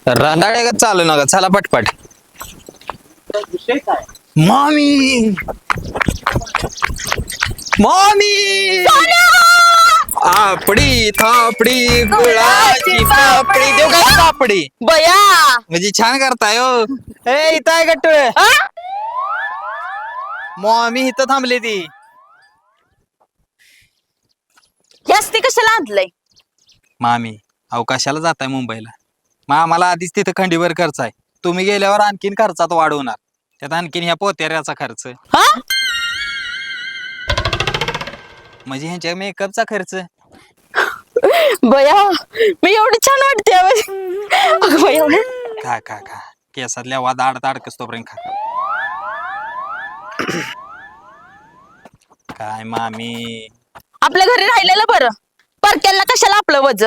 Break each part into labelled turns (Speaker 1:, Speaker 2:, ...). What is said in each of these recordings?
Speaker 1: रांधाळे का चालू नका चला पटपट.
Speaker 2: विषय काय?
Speaker 1: मामी मामी आपडी थापडी गुळाची पापडी देऊ का पापडी
Speaker 3: बया
Speaker 1: म्हणजे छान करताय हो. ए इथं आहे गट्टुळे. मामी इथं थांबली ती.
Speaker 3: जास्ती कशाला आणलंय?
Speaker 1: मामी अवकाशाला जाताय मुंबईला. मग आम्हाला आधीच तिथं खंडीवर खर्च आहे. तुम्ही गेल्यावर आणखीन खर्चात वाढ होणार. त्यात आणखीन ह्या पोतेऱ्याचा खर्च
Speaker 3: हा
Speaker 1: म्हणजे ह्यांच्या मेकअपचा खर्च.
Speaker 3: बया मी एवढी छान वाटते अगं बया.
Speaker 1: खा खा खा केसातल्या वाद अडकस तोपर्यंत खा. काय मामी
Speaker 3: आपल्या घरी राहिलेलं बरं. परक्याला कशाला आपलं वज.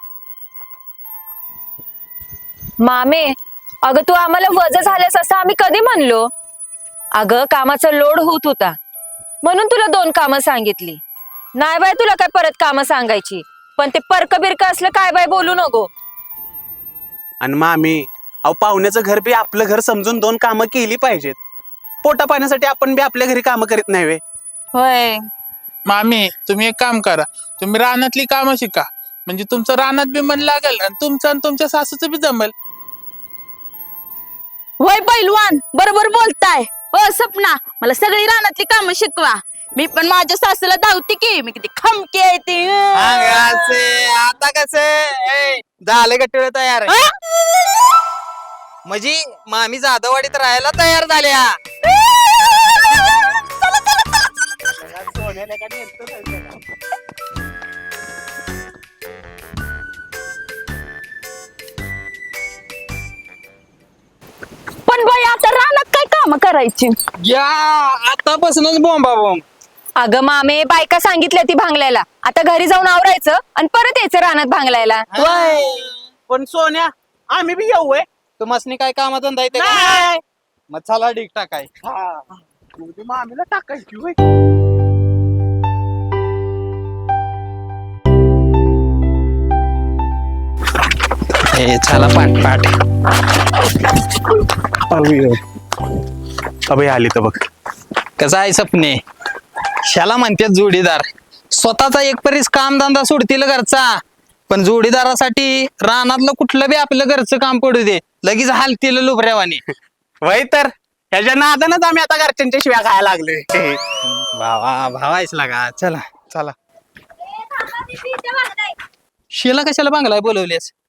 Speaker 4: मामे अगं तू आम्हाला वज झाल्यास असं आम्ही कधी म्हणलो? अगं कामाचा लोड होत होता म्हणून तुला 2 कामं सांगितली. नाही बाय तुला काय परत कामं सांगायची. पण ते परक बिरक असलं काय बाय बोलू नको.
Speaker 2: आणि मामी अहो पाहुण्याचं घर बी आपलं घर समजून 2 कामं केली पाहिजेत. पोटा पाण्यासाठी आपण बी आपल्या घरी कामं करीत नाही वे.
Speaker 4: होय
Speaker 5: मामी तुम्ही एक काम करा, तुम्ही रानातली कामं शिका. म्हणजे तुमचं रानात बी मन लागेल आणि तुमचं आणि तुमच्या सासूचं बी जमेल.
Speaker 3: वय पैलवान बरोबर बोलताय. हो सपना मला सगळी रानातली कामं शिकवा. मी पण माझ्या सासूला धावते की मी किती खमकी आहे ती.
Speaker 1: आता कसे झाले गट्टुळे तयार. म्हणजे मामी जाधववाडीत राहायला तयार झाल्या.
Speaker 3: पण बाई आता रानात काय काम करायची?
Speaker 1: या आतापासूनच बोंबा बोंब.
Speaker 4: अगं मामे बायका सांगितल्या ती भांगलायला. आता घरी जाऊन आवरायचं आणि परत यायचं रानात भांगलायला.
Speaker 2: पण सोन्या आम्ही बी येऊ
Speaker 1: तुम्हाला काय कामाधंदा येते का?
Speaker 2: नाही.
Speaker 1: मग चला डिक टाकाय.
Speaker 2: मामीला टाकायची होय.
Speaker 1: चला पाठ पाठ.
Speaker 2: अभय आली तर बघ.
Speaker 1: कसं आहे सपने शाला म्हणतात जोडीदार. स्वतःचा एक परीस कामधंदा सोडतील घरचा पण जोडीदारासाठी रानातलं कुठलं बी आपलं घरचं काम पडू दे लगेच हालतील लुबऱ्यावानी.
Speaker 2: वय तर ह्याच्या नादानच आम्ही आता घरच्यांच्या शिव्या खायला लागलोय.
Speaker 1: भावा भावायच लागा. चला
Speaker 2: चला
Speaker 1: शिला कशाला बांगलाय बोलवलेस?